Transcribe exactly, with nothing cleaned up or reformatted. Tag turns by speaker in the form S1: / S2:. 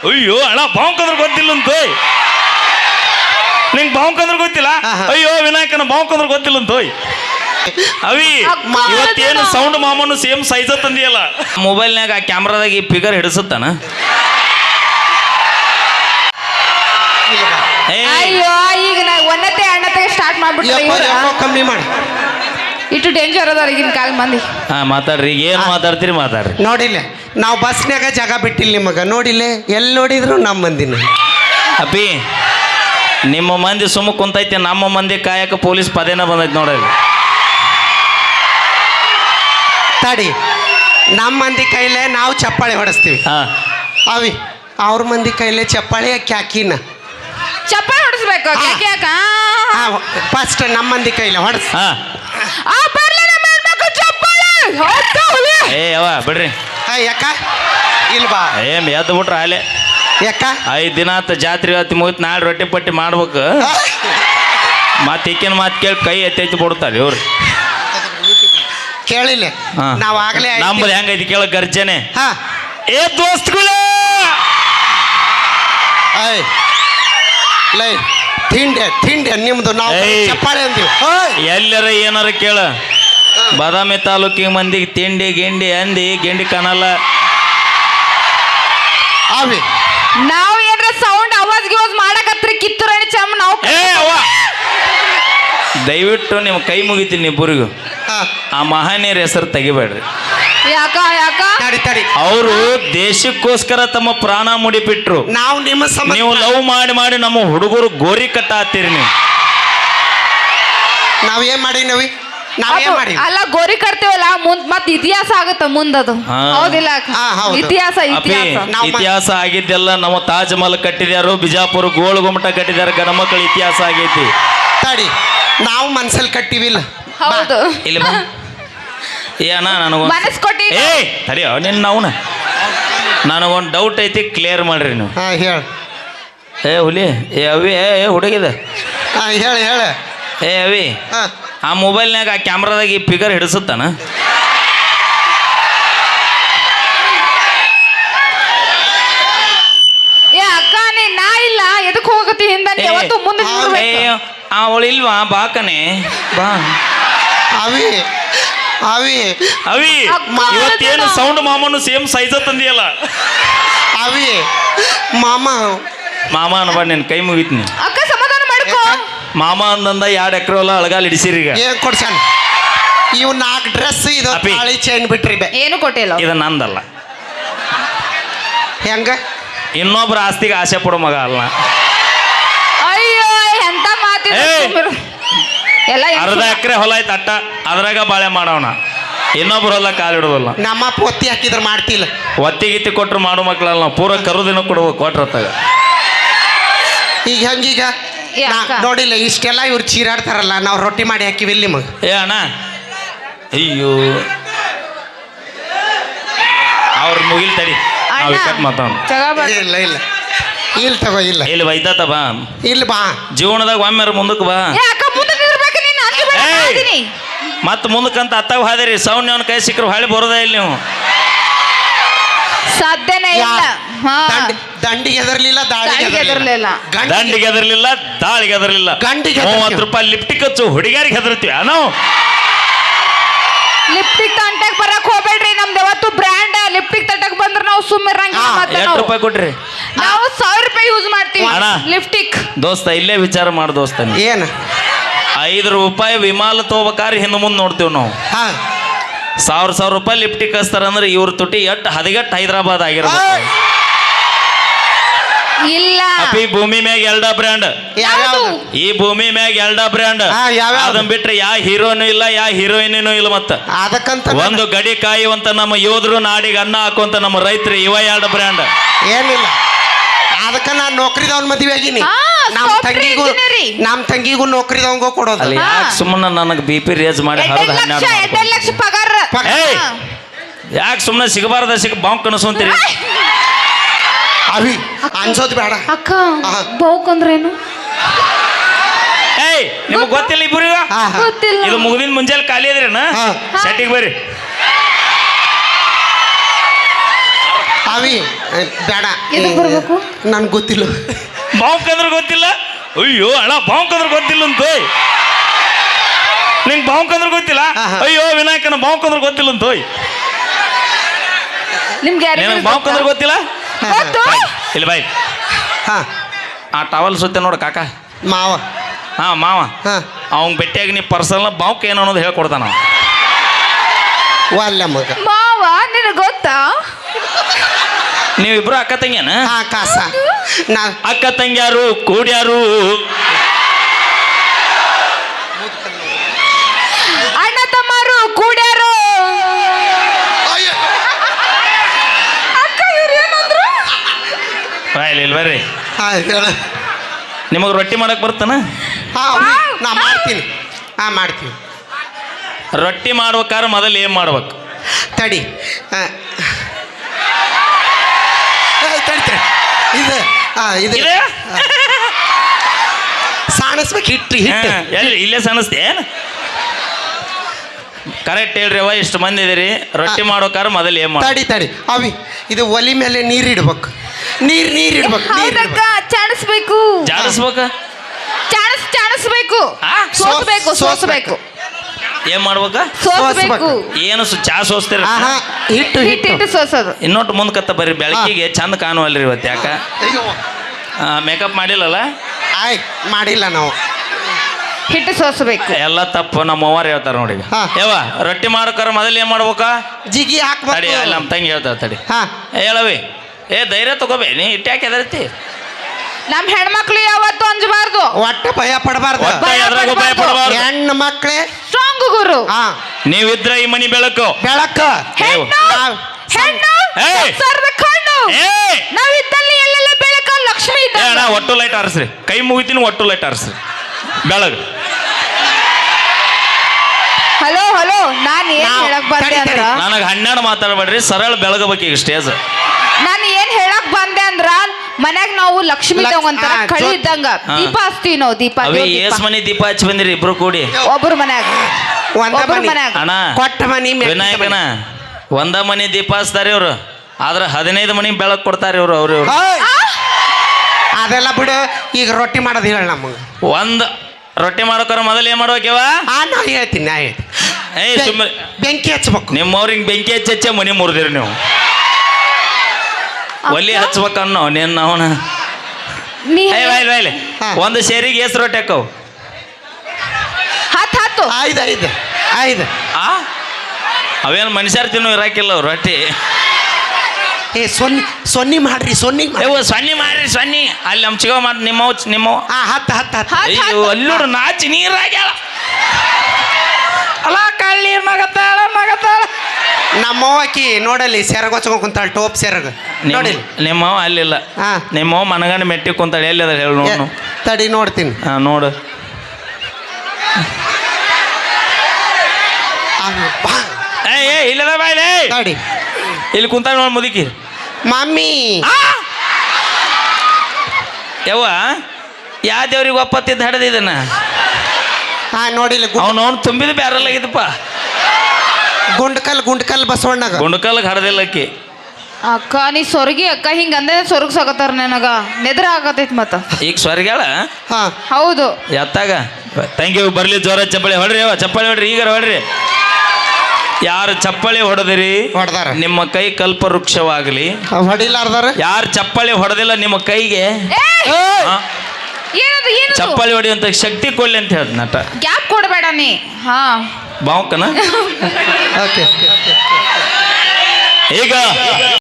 S1: ಅಯ್ಯೋ ಅಣ್ಣ ಬಾಂಕಂದ್ರೆ ಗೊತ್ತಿಲ್ಲ ಅಂತ ನಿಂಗೆ ಬಾಂಕಂದ್ರೆ ಗೊತ್ತಿಲ್ಲ ಅಯ್ಯೋ ವಿನಾಯಕನ ಬಾಂಕಂದ್ರೆ ಗೊತ್ತಿಲ್ಲ ಅಂತ ಅವಿ ಇವತ್ತೇನು ಸೌಂಡ್ ಮಾಮನು ಸೇಮ್ ಸೈಜ್ ತಂದಿಯಲ್ಲ ಮೊಬೈಲ್ನಾಗ ಆ ಕ್ಯಾಮ್ರಾದಾಗ ಈ ಫಿಗರ್ ಹಿಡಿಸುತ್ತಾನ
S2: ಅಯ್ಯೋ ಈಗ ನಾ ಒಂದತ್ತೆ ಅಣ್ಣತೆ ಸ್ಟಾರ್ಟ್ ಮಾಡ್ಬಿಟ್ರೆ
S3: ಕಮ್ಮಿ ಮಾಡಿ
S2: ಇಟ್ಟು ಡೇಂಜರ್ ಅದಾರ ಈಗಿನ ಕಾಲ ಮಂದಿ
S1: ಹಾ ಮಾತಾಡ್ರಿ ಈಗ ಏನು ಮಾತಾಡ್ತೀರಿ ಮಾತಾಡ್ರಿ
S3: ನೋಡಿಲ್ಲ ನಾವು ಬಸ್ನಾಗ ಜಾಗ ಬಿಟ್ಟಿಲ್ಲ ನಿಮಗ ನೋಡಿಲ್ಲ ಎಲ್ಲಿ ನೋಡಿದ್ರು ನಮ್ಮ ಮಂದಿನ
S1: ಅಪ್ಪಿ ನಿಮ್ಮ ಮಂದಿ ಸುಮ್ಮ ಕುಂತೈತಿ ನಮ್ಮ ಮಂದಿ ಕಾಯಕ ಪೊಲೀಸ್ ಪದೇನ ಬಂದೈತಿ ನೋಡ್ರಿ
S3: ತಡಿ ನಮ್ಮ ಮಂದಿ ಕೈಲೇ ನಾವು ಚಪ್ಪಾಳೆ ಹೊಡೆಸ್ತೀವಿ
S1: ಹಾ
S3: ಅವಿ ಅವ್ರ ಮಂದಿ ಕೈಲೇ ಚಪ್ಪಾಳೆ ಕ್ಯಾಕಿನ
S2: ಚಪ್ಪಾಳೆ ಹೊಡಿಸ್ಬೇಕು ಯಾಕೆ ಯಾಕ
S3: ಹಾ ಫಸ್ಟ್ ನಮ್ಮ ಮಂದಿ ಕೈಲೇ ಹೊಡೆಸ್
S1: ಹಾ
S2: ಆ ಬರ್ಲಿಲ್ಲ ಮಾಡ್ಬೇಕು ಚಪ್ಪಾಳೆ ಹೋಗ್ತಾವ್ಲಿ
S1: ಏ ಅವ ಬಿಡ್ರಿ
S3: ಹಾ ಯಾಕ ಇಲ್ವಾ
S1: ಏ ಎದ್ದು ಬಿಟ್ರ ಆಲೆ
S3: ಯಾಕ
S1: ಐದು ದಿನ ಆತ ಜಾತ್ರೆ ಹೊತ್ತಿ ಮುಗಿತು ನಾಳೆ ರೊಟ್ಟಿ ಪಟ್ಟಿ ಮಾಡ್ಬೇಕು ಮತ್ತೆ ಈಕಿನ ಮಾತು ಕೇಳಿ ಕೈ ಎತ್ತಿ ಎತ್ತಿ ಬಿಡ್ತಾರೆ ಇವ್ರು
S3: ಕೇಳಿಲ್ಲ ನಾವ್ ಆಗ್ಲೇ
S1: ನಮ್ಮದು ಹೆಂಗೈತಿ ಕೇಳ ಗರ್ಜನೆ
S3: ಹಾ
S1: ಏ ದೋಸ್ತುಗಳೇ
S3: ಐ ಲೈ ತಿಂಡೆ ತಿಂಡೆ ನಿಮ್ದು ನಾವು ಚಪ್ಪಾಳೆ ಅಂತೀವಿ
S1: ಎಲ್ಲರ ಏನಾರ ಕೇಳ ಬಾದಾಮಿ ತಾಲೂಕಿಗೆ ಮಂದಿಗೆ ತಿಂಡಿ ಗಿಂಡಿ ಅಂದಿ ಗಿಂಡಿ ಕಾಣಲ್ಲ
S3: ಅವಿ
S2: ನಾವು ಏನ್ರ ಸೌಂಡ್ ಅವಾಜ್ ಗಿವಾಜ್ ಮಾಡಕತ್ರಿ ಕಿತ್ತೂರಾಣಿ ಚಮ್ಮ ನಾವು
S1: ಏ ಅವ್ವ ದಯವಿಟ್ಟು ನಿಮ್ಮ ಕೈ ಮುಗಿತೀನಿ ಇಬ್ಬರಿಗೂ ಆ ಮಹನೀಯರ ಹೆಸರು ತೆಗಿಬೇಡ್ರಿ
S2: ಯಾಕ ಯಾಕ
S3: ತಡಿ ತಡಿ
S1: ಅವರು ದೇಶಕ್ಕೋಸ್ಕರ ತಮ್ಮ ಪ್ರಾಣ ಮುಡಿಬಿಟ್ರು
S3: ನಾವು ನಿಮ್ಮ ಸಮ
S1: ನೀವು ಲವ್ ಮಾಡಿ ಮಾಡಿ ನಮ್ಮ ಹುಡುಗರು ಗೋರಿ ಕಟ್ಟ ಹಾಕ್ತೀರಿ ನೀವು
S3: ನಾವ್ ಏನ್ ಮಾಡಿ ನವಿ ನಾವೇನ್ ಮಾಡಿ
S2: ಅಲ್ಲ ಗೋರಿ ಕಟ್ತೇವಲ್ಲ ಮುಂದ್ ಮತ್ ಇತಿಹಾಸ ಆಗತ್ತ ಮುಂದದು ಹೌದಿಲ್ಲ ಇತಿಹಾಸ ಇತಿಹಾಸ
S1: ಇತಿಹಾಸ ಆಗಿದ್ದೆಲ್ಲ ನಮ್ಮ ತಾಜ್ ಮಹಲ್ ಕಟ್ಟಿದ್ಯಾರು ಬಿಜಾಪುರ ಗೋಳ ಗುಮ್ಮಟ ಕಟ್ಟಿದಾರ ಗಣ ಮಕ್ಕಳ ಇತಿಹಾಸ ಆಗೈತಿ
S3: ತಡಿ ನಾವು ಮನ್ಸಲ್ಲಿ ಕಟ್ಟಿವಿಲ್ಲ
S2: ಹೌದು
S1: ಇಲ್ಲಿ ಬಾ ಏ ಅಣ್ಣ ನನಗೊಂದು
S2: ಮನಸ್ ಕೊಟ್ಟಿ
S1: ಏ ತಡಿಯೋ ನಿನ್ನ ಅವನ ನನಗೊಂದು ಡೌಟ್ ಐತಿ ಕ್ಲಿಯರ್ ಮಾಡ್ರಿ ನೀವು
S3: ಹಾ ಹೇಳ
S1: ಏ ಹುಲಿ ಏ ಅವಿ ಏ ಏ ಹುಡುಗಿದ
S3: ಹಾ ಹೇಳ ಹೇಳ
S1: ಏ ಅವಿ
S3: ಹಾ
S1: ಆ ಮೊಬೈಲ್ನಾಗ ಆ ಕ್ಯಾಮ್ರಾದಾಗ ಈ ಫಿಗರ್ ಹಿಡಿಸುತ್ತಾನ
S2: ಏ ಅಕ್ಕ ನೀ ನಾ ಇಲ್ಲ ಎದಕ್ ಹೋಗತಿ ಹಿಂದ ಯಾವತ್ತು ಮುಂದೆ
S1: ಅವಳು ಇಲ್ವಾ ಬಾಕನೆ ಬಾ
S3: ಅವಿ ಅವಿ
S1: ಅವಿ ಇವತ್ತೇನು ಸೌಂಡ್ ಮಾಮನು ಸೇಮ್ ಸೈಜ್ ತಂದಿಯಲ್ಲ
S3: ಅವಿ ಮಾಮ
S1: ಮಾಮ ಅನ್ಬಾ ನಿನ್ ಕೈ ಮುಗಿತೀನಿ
S2: ಅಕ್ಕ ಸಮಾಧಾನ ಮಾಡ್ಕೋ
S1: ಮಾಮ ಅಂದಂದ ಎರಡು ಎಕರೆ ಹೊಲ ಅಳಗಾಲ್ ಹಿಡಿಸಿರಿ ಈಗ
S3: ಏನ್ ಕೊಡ್ಸಾನ ಇವ್ ನಾಲ್ಕು ಡ್ರೆಸ್ ಇದು ತಾಳಿ ಚೈನ್ ಬಿಟ್ರಿ ಬೆ
S2: ಏನು ಕೊಟ್ಟಿಲ್ಲ
S1: ಇದು ನಂದಲ್ಲ
S3: ಹೆಂಗ
S1: ಇನ್ನೊಬ್ರ ಆಸ್ತಿಗೆ ಆಸೆ ಪಡೋ ಮಗ ಅಲ್ಲ
S2: ಅಯ್ಯೋ ಎಂತ ಮಾತಿದ ಎಲ್ಲ
S1: ಅರ್ಧ ಎಕರೆ ಹೊಲ ಐತೆ ಅಟ್ಟ ಅದ್ರಾಗ ಬಾಳೆ ಮಾಡೋಣ ಇನ್ನೊಬ್ರು ಹೊಲ ಕಾಲಿಡೋದಲ್ಲ
S3: ನಮ್ಮ ಒತ್ತಿ ಹಾಕಿದ್ರ ಮಾಡ್ತಿಲ್ಲ
S1: ಒತ್ತಿ ಗಿತ್ತಿ ಕೊಟ್ರು ಮಾಡೋ ಮಕ್ಳಲ್ಲ ನಾವು ಪೂರ ಕರುದಿನ ಕೊಡ್ಬೇಕು ಕೊಟ್ರತ್ತಾಗ
S3: ಈಗ ಹೆಂಗೀಗ ನೋಡಿಲ್ಲ ಇಷ್ಟೆಲ್ಲ ಇವ್ರು ಚೀರಾಡ್ತಾರಲ್ಲ ನಾವು ರೊಟ್ಟಿ ಮಾಡಿ ಹಾಕಿವಿ ಇಲ್ಲಿ ಮಗ
S1: ಏ ಅಣ್ಣ ಅಯ್ಯೋ ಅವ್ರ ಮುಗಿಲ್ ತಡಿ ನಾವು ಕಟ್ ಮಾತಾಡ
S3: ಇಲ್ಲ ಇಲ್ಲ ಇಲ್ಲಿ ತಗೋ ಇಲ್ಲ
S1: ಇಲ್ಲಿ ಬೈದಾತ ಬಾ
S3: ಇಲ್ಲಿ ಬಾ
S1: ಜೀವನದಾಗ ಒಮ್ಮೆ ಮುಂದಕ್ಕೆ ಬಾ ಮತ್ ಮುಂದಕ್ಕಂತ ಅತ್ತಾಗ ಹಾದಿರಿ ಸೌಂಡ್ ಅವನ ಕೈ ಸಿಕ್ಕರು ಹಳಿ ಬರೋದೇ ಇಲ್ಲ ನೀವು
S2: ಸಾಧ್ಯನೇ ಇಲ್ಲ
S3: ದಂಡಿಗೆ ಎದರ್ಲಿಲ್ಲ ದಾಳಿಗೆ
S2: ಎದರ್ಲಿಲ್ಲ
S1: ದಂಡಿಗೆ ಎದರ್ಲಿಲ್ಲ ದಾಳಿಗೆ ಎದರ್ಲಿಲ್ಲ
S3: ಗಂಡಿಗೆ
S1: ಮೂವತ್ತು ರೂಪಾಯಿ ಲಿಫ್ಟಿಗೆ ಹಚ್ಚು ಹುಡುಗಿಯಾರಿಗೆ ಹೆದರ್ತೀವಿ ನಾವು
S2: ಲಿಪ್ಟಿಕ್ ತಂಟಕ್ ಬರಕ್ ಹೋಗ್ಬೇಡ್ರಿ ನಮ್ದು ಯಾವತ್ತು ಬ್ರ್ಯಾಂಡ್ ಲಿಪ್ಟಿಕ್ ತಟಕ್ ಬಂದ್ರೆ ನಾವು ಸುಮ್ಮನೆ
S1: ಎಷ್ಟು ರೂಪಾಯಿ ಕೊಟ್ರಿ
S2: ನಾವು ಸಾವಿರ ರೂಪಾಯಿ ಯೂಸ್ ಮಾಡ್ತೀವಿ ಲಿಪ್ಟಿಕ್
S1: ದೋಸ್ತ ಇಲ್ಲೇ ವಿಚಾರ ಮಾಡು ದೋಸ್ತ
S3: ಏನು
S1: ಐದು ರೂಪಾಯಿ ವಿಮಾನ ತಗೋಬೇಕಾದ್ರೆ ಹಿಂದೆ ಮುಂದೆ ನೋಡ್ತೀವಿ ನಾವು ಸಾವಿರ ಸಾವಿರ ರೂಪಾಯಿ ಲಿಫ್ಟಿಕ್ ಹಚ್ತಾರ ಅಂದ್ರೆ ಇವ್ರ ತುಟಿ ಎಟ್ಟು ಹದಿಗೆಟ್ಟು ಹೈದರಾಬಾದ್ ಆಗಿರ್ಬೇಕು
S2: ಇಲ್ಲ
S1: ಈ ಭೂಮಿ ಮ್ಯಾಗ ಎಲ್ಡ ಬ್ರ್ಯಾಂಡ್ ಈ ಭೂಮಿ ಮ್ಯಾಗ ಎಲ್ಡ ಬ್ರ್ಯಾಂಡ್ ಅದನ್ನ ಬಿಟ್ರೆ ಯಾವ ಹೀರೋನು ಇಲ್ಲ ಯಾವ ಹೀರೋಯಿನೂ ಇಲ್ಲ ಮತ್ತ
S3: ಅದಕ್ಕಂತ
S1: ಒಂದು ಗಡಿ ಕಾಯುವಂತ ನಮ್ಮ ಯೋಧರು ನಾಡಿಗೆ ಅನ್ನ ಹಾಕುವಂತ ನಮ್ಮ ರೈತರು ಇವ ಎರಡು ಬ್ರ್ಯಾಂಡ್
S3: ಏನಿಲ್ಲ ಅದಕ್ಕ ನಾನು ನೌಕರಿದವನ್ ಮದುವೆ ಆಗಿನಿ ನಮ್ಮ ತಂಗಿಗೂ ನಮ್ಮ ತಂಗಿಗೂ ನೌಕರಿದವಂಗೋ ಕೊಡೋದು
S1: ಯಾಕೆ ಸುಮ್ಮನೆ ನನಗೆ ಬಿ ಪಿ ರೇಜ್ ಮಾಡಿ ಹರಿದ
S2: ಹನ್ನೆರಡು ಲಕ್ಷ ಪಗಾರ
S1: ಯಾಕೆ ಸುಮ್ಮನೆ ಸಿಗಬಾರ್ದ ಸಿಗ ಬಾಂಕ್ ಕನಸಂತೀರಿ
S3: ಅವಿ ಅನ್ಸೋದು ಬೇಡ
S2: ಅಕ್ಕ ಬೌಕ್ ಅಂದ್ರೇನು
S1: ಏಯ್ ನಿಮಗೆ ಗೊತ್ತಿಲ್ಲ ಇಬ್ಬರಿಗ
S2: ಗೊತ್ತಿಲ್ಲ
S1: ಇದು ಮುಗಿದಿನ ಮುಂಜಾನೆ ಖಾಲಿ ಅದ್ರೇನ ಸೆಟ್ಟಿಗೆ ಬರ್ರಿ
S3: ಅವಿ ಬೇಡ
S2: ಎದಕ್ ಬರ್ಬೇಕು?
S3: ನನ್ಗೆ ಗೊತ್ತಿಲ್ಲ.
S1: ಬಾಂಕ್ ಅಂದ್ರೆ ಗೊತ್ತಿಲ್ಲ. ಅಯ್ಯೋ ಅಣ್ಣ ಬಾಂಕ್ ಅಂದ್ರೆ ಗೊತ್ತಿಲ್ಲ ಅಂತ. ನಿಂಗೆ ಬಾಂಕ್ ಅಂದ್ರೆ ಗೊತ್ತಿಲ್ಲ. ಅಯ್ಯೋ ವಿನಾಯಕನ ಬಾಂಕ್ ಅಂದ್ರೆ ಗೊತ್ತಿಲ್ಲ ಅಂತ.
S2: ನಿಮ್ಗೆ
S1: ನಿನಗೆ ಬಾಂಕ್ ಅಂದ್ರೆ ಗೊತ್ತಿಲ್ಲ. ಇಲ್ಲ ಬಾಯ್.
S3: ಹಾ
S1: ಆ ಟವಲ್ ಸುತ್ತೆ ನೋಡು ಕಾಕ.
S3: ಮಾವ.
S1: ಹಾ ಮಾವ.
S3: ಹಾ
S1: ಅವ್ನ್ ಬೆಟ್ಟಿಯಾಗಿ ನೀ ಪರ್ಸನಲ್ ಬಾಂಕ್ ಏನು ಅನ್ನೋದು ಹೇಳ್ಕೊಡ್ತಾನ.
S3: ಒಲ್ಲ ಮಗ.
S2: ಮಾವ ನಿನಗೆ ಗೊತ್ತಾ?
S1: ನೀವಿಬ್ರು ಅಕ್ಕ ತಂಗಿಯನ?
S3: ಹಾ ಕಾಸ. ನಾ
S1: ಅಕ್ಕ ತಂಗಿಯಾರು ಕೂಡ್ಯಾರು.
S2: ಅಣ್ಣ ತಮ್ಮರು ಕೂಡ್ಯಾರು. ಅಕ್ಕ ಇವ್ರು ಏನಂದ್ರು?
S1: ಬಾಯ್ಲಿ ಇಲ್ಲಿ ಬರ್ರಿ.
S3: ಹಾ ಹೇಳ.
S1: ನಿಮಗೆ ರೊಟ್ಟಿ ಮಾಡಕ್ ಬರ್ತಾನ?
S3: ಹಾ ನಾ ಮಾಡ್ತೀನಿ. ಹಾ ಮಾಡ್ತೀನಿ.
S1: ರೊಟ್ಟಿ ಮಾಡ್ಬೇಕಾದ್ರೆ ಮೊದಲು ಏನು ಮಾಡ್ಬೇಕು?
S3: ತಡಿ. ಆ, ಏ, ತಡಿ ತಡಿ. ಇದು ಆ, ಇದು
S1: ಇದೆ?
S3: ಸಾಣಿಸ್ಬೇಕು ಹಿಟ್ಟು ಹಿಟ್ಟು.
S1: ಹಾ, ಎಲ್ಲಿ ಇಲ್ಲೇ ಸನಸ್ತೆ ಏನು? ಕರೆಕ್ಟ್ ಹೇಳ್ರಿ ಅವ ಇಷ್ಟು ಮಂದಿ ಇದೀರಿ. ರೊಟ್ಟಿ ಮಾಡ್ಬೇಕಾದ್ರೆ ಮೊದಲು ಏನು ಮಾಡಿ?
S3: ತಡಿ ತಡಿ ಅವಿ ಇದು ಒಲಿ ಮೇಲೆ ನೀರು ಇಡ್ಬೇಕು. ನೀರು ನೀರು ಇಡ್ಬೇಕು. ನೀರು
S2: ಹೌದಕ್ಕ ಚಾಣಿಸ್ಬೇಕು.
S1: ಜಾಡಿಸ್ಬೇಕ?
S2: ಚಾಣಿಸ್ ಚಾಣಿಸ್ಬೇಕು.
S1: ಆ?
S2: ಸೋಸ್ಬೇಕು ಸೋಸ್ಬೇಕು
S1: ಏನ್ ಮಾಡ್ಬೇಕ?
S2: ಸೋಸ್ಬೇಕು.
S1: ಏನು ಸು ಚಾ ಸೋಸ್ತೀರ?
S3: ಆಹಾ ಹಿಟ್ಟು ಹಿಟ್ಟು
S2: ಹಿಟ್ಟಿಟ್ಟು ಸೋಸೋದು.
S1: ಇನ್ನೊಟ್ಟು ಮುಂದೆ ಕತ್ತ ಬರ್ರಿ. ಬೆಳಕಿಗೆ ಚಂದ ಕಾಣುವಲ್ರಿ ಇವತ್ತು. ಯಾಕ ಮೇಕಪ್ ಮಾಡಿಲ್ಲಲ್ಲ?
S3: ಆಯ್ ಮಾಡಿಲ್ಲ ನಾವು.
S2: ಹಿಟ್ಟು ಸೋಸಬೇಕು.
S1: ಎಲ್ಲ ತಪ್ಪು ನಮ್ಮ ಅವ್ವಾರು ಹೇಳ್ತಾರ ನೋಡಿ.
S3: ಹಾ.
S1: ಯಾವ ರೊಟ್ಟಿ ಮಾಡ್ಬೇಕಾರ ಮೊದಲು ಏನ್ ಮಾಡ್ಬೇಕ?
S3: ಜಿಗಿ
S1: ತಡಿ
S3: ಹಾಕ್ಬೇಕು.
S1: ಅಲ್ಲಿ ನಮ್ಮ ತಂಗಿ ಹೇಳ್ತಾರ ತಡಿ.
S3: ಹಾ
S1: ಹೇಳವಿ. ಏ ಧೈರ್ಯ ತಗೋಬೇ ನೀ ಇಟ್ಟು ಯಾಕೆ ಎದರ್ತಿ?
S2: ನಮ್ ಹೆಣ್ಮಕ್ಳು ಯಾವತ್ತೂ ಅಂಜಬಾರ್ದು.
S3: ಒಟ್ಟ ಭಯ ಪಡಬಾರ್ದು.
S1: ಒಟ್ಟ ಎದ್ರಾಗೂ ಭಯ ಪಡಬಾರ್ದು.
S3: ಹೆಣ್ಣು ಮಕ್ಳೇ
S2: ಸ್ಟ್ರಾಂಗ್ ಗುರು.
S3: ಹಾ
S1: ನೀವಿದ್ರ ಈ ಮನಿ ಬೆಳಕು.
S3: ಬೆಳಕು.
S2: ಹೆಣ್ಣು
S3: ನಾವ್-
S2: ಹೆಣ್ಣು
S1: ಏಯ್!
S2: ಸರ್ದ ಕಣ್ಣು.
S1: ಏ
S2: ನಾವಿದ್ದಲ್ಲಿ ಎಲ್ಲೆಲ್ಲ ಬೆಳಕ ಲಕ್ಷ್ಮಿ
S1: ಏ
S2: ಇದ್ದ.
S1: ಅಣ್ಣ ಒಟ್ಟು ಲೈಟ್ ಆರಿಸ್ರಿ. ಕೈ ಮುಗಿತೀನಿ ಒಟ್ಟು ಲೈಟ್ ಆರಿಸ್ರಿ. ಬೆಳಗ್.
S2: ಹಲೋ ಹಲೋ ನಾನ್ ಏನ್
S3: ನಾವ್-
S2: ಹೇಳಕ್ ಬಂದೆ
S3: ತಡಿ,
S2: ಅಂದ್ರ
S3: ತಡಿ.
S1: ನನಗೆ ಹನ್ನೆರಡು ಮಾತಾಡ್ಬೇಡ್ರಿ. ಸರಳ ಬೆಳಗಬೇಕು ಈಗ ಸ್ಟೇಜ್.
S2: ನಾನು ಏನ್ ಹೇಳಕ್ ಬಂದೆ ಅಂದ್ರ ಮನ್ಯಾಗ ನಾವು ಲಕ್ಷ್ಮಿ
S3: ಲಕ್ಷ್-
S2: ಇದ್ದಂಗ
S3: ಹಾ,
S2: ಕಳಿ
S3: ಜೋ-
S2: ಇದ್ದಂಗ
S1: ಹಾ.
S2: ದೀಪ ಹಚ್ತೀವಿ ನಾವು. ದೀಪ
S1: ಅವಿ
S2: ದೇವ್ರ್ ದೀಪ.
S1: ಏಸ್ ಮನಿ ದೀಪ ಹಚ್ಚಿ ಬಂದಿರಿ ಇಬ್ರು ಕೂಡಿ?
S2: ಒಬ್ರು ಮನ್ಯಾಗ
S3: ಒಂದ
S2: ಒಬ್ರು
S3: ಮನಿ.
S2: ಮನ್ಯಾಗ
S1: ಅಣ್ಣ
S3: ಕೊಟ್ಟ ಮನಿ ಮೆಟ್ಟಿದ
S1: ವಿನಾಯಕನ
S3: ಮನಿ.
S1: ಒಂದ ಮನಿ ದೀಪ ಹಚ್ತಾರೆ ಇವ್ರು. ಆದ್ರೆ ಹದಿನೈದು ಮನಿ ಬೆಳಕು ಕೊಡ್ತಾರೆ ಇವ್ರು. ಅವ್ರು ಇವ್ರು
S3: ಓಯ್! ಅದೆಲ್ಲ ಬಿಡು. ಈಗ ರೊಟ್ಟಿ ಮಾಡೋದು ಹೇಳ ನಮಗೆ.
S1: ಒಂದ್ ರೊಟ್ಟಿ ಮಾಡೋಕಾರ ಮೊದಲು ಏನ್ ಮಾಡ್ಬೇಕವ?
S3: ಆ ನಾ ಹೇಳ್ತೀನಿ ನಾ ಹೇಳ್ತೀನಿ.
S1: ಏಯ್ ಸುಮ್ಮನೆ
S3: ಬೆಂಕಿ ಹಚ್ಬೇಕು.
S1: ನಿಮ್ಮವ್ರಿಗೆ ಬೆಂಕಿ ಹಚ್ಚಿ ಹಚ್ಚೆ ಮನಿ ಮುರಿದಿರಿ ನೀವು. ಒಲಿ ಹಚ್ಬೇಕನ್ನೋ ನಿನ್ನ ಅವನ.
S2: ನೀ
S1: ಏಯ್ ಬಾಯ್ಲಿ ಬಾಯ್ಲಿ.
S3: ಹಾ.
S1: ಒಂದು ಸೇರಿಗೆ ಎಷ್ಟು ರೊಟ್ಟಿ ಹಾಕವು?
S2: ಹತ್ತು ಹತ್ತು
S3: ಐದು ಐದು ಐದು.
S1: ಆ ಅವೇನು ಮನುಷ್ಯರು ತಿನ್ನೋ ಇರಾಕಿಲ್ಲ ಅವ್ರು ರೊಟ್ಟಿ.
S3: ಏ ಸೊನ್ನಿ ಸೊನ್ನಿ ಮಾಡ್ರಿ ಸೊನ್ನಿ ಮಾಡ್ರಿ.
S1: ಇವು ಸೊನ್ನಿ ಮಾಡ್ರಿ ಸೊನ್ನಿ. ಅಲ್ಲಿ ನಮ್ಮ ಚಿಗೋ ಮಾಡಿ ನಿಮ್ಮವ್ ನಿಮ್ಮವ್.
S3: ಹಾ ಹತ್ತು ಹತ್ತು ಹತ್ತು.
S2: ಹತ್ತು,
S1: ಅಯ್ಯೋ
S2: ಹತ್ತು.
S1: ಅಲ್ಲೂರು ನಾಚಿ ನೀರಾಗ್ಯಾಳ. ಅಲ್ಲ ಕಳ್ಳೀರ್ ನಗತ್ತಾಳ ನಗತ್ತಾಳ.
S3: ನಮ್ಮವ್ವಕಿ ನೋಡಲಿ ಸೆರಗ ಹೊಚ್ಕೊಂಡ್ ಕುಂತಾಳ ಟೋಪ್ ಸೆರಗ ನೋಡಿ.
S1: ನಿಮ್ಮವ್ ಅಲ್ಲಿಲ್ಲ.
S3: ಹಾ.
S1: ನಿಮ್ಮವ್ ಮನಗಂಡ ಮೆಟ್ಟಿ ಕುಂತಾಳೆ. ಎಲ್ಲಿ ಅದ ಹೇಳಿ ನೋಡು.
S3: ತಡಿ ನೋಡ್ತೀನಿ.
S1: ಹಾ ನೋಡು.
S3: ಆ, ಬಾ.
S1: ಏ ಏ ಇಲ್ಲದ ಬಾಯ್ಲೆ.
S3: ತಡಿ
S1: ಇಲ್ಲಿ ಕುಂತಾಳ ನೋಡಿ ಮುದುಕಿ.
S3: ಮಮ್ಮಿ.
S1: ಯವ್ವ ಯಾ ದೇವ್ರಿಗೆ ಒಪ್ಪತ್ತಿದ್ದು ಹಡದಿದ್ದನ
S3: ಹಾ ನೋಡಿಲ್ಲ
S1: ಅವ್ನು ಅವ್ನು ತುಂಬಿದ ಬ್ಯಾರಲ್ ಆಗಿದ್ದಪ್ಪ.
S3: ಗುಂಡ್ಕಲ್ ಗುಂಡ್ಕಲ್ ಬಸವಣ್ಣಗ
S1: ಗುಂಡಕಲ್ಗೆ ಹಡದಿಲ್ಲಕ್ಕಿ.
S2: ಅಕ್ಕ ನೀ ಸೊರ್ಗಿ ಅಕ್ಕ ಹಿಂಗ ಅಂದೆ ಸೊರ್ಗ್ ಸಾಕತ್ತಾರ ನನಗ ನೆದ್ರ ಆಗತೈತ್ ಮತ್ತ.
S1: ಈಗ ಸ್ವರ್ಗ್ಯಾಳ
S3: ಹಾ
S2: ಹೌದು.
S1: ಎತ್ತಾಗ ಥ್ಯಾಂಕ್ ಯು. ಬರ್ಲಿ ಜೋರ ಚಪ್ಪಳಿ ಹೊಡ್ರಿ. ಅವ ಚಪ್ಪಳಿ ಹೊಡ್ರಿ. ಈಗ ಹೊಡ್ರಿ. ಯಾರು ಚಪ್ಪಳಿ ಹೊಡೆದಿರಿ
S3: ಹೊಡ್ದಾರ.
S1: ನಿಮ್ಮ ಕೈ ಕಲ್ಪವೃಕ್ಷವಾಗಲಿ.
S3: ಹೊಡಿಲಾರ್ದಾರ.
S1: ಯಾರು ಚಪ್ಪಳಿ ಹೊಡೆದಿಲ್ಲ ನಿಮ್ಮ ಕೈಗೆ
S3: ಏಯ್!
S1: ಆ,
S2: ಏನದು ಏನದು
S1: ಚಪ್ಪಳಿ ಹೊಡೆಯುವಂತ ಶಕ್ತಿ ಕೊಡ್ಲಿ ಅಂತ ಹೇಳ್ದ ನಟ.
S2: ಗ್ಯಾಪ್ ಕೊಡಬೇಡ ನೀ. ಹಾ
S1: ಬಾವುಕನ
S3: ಓಕೆ
S1: ಈಗ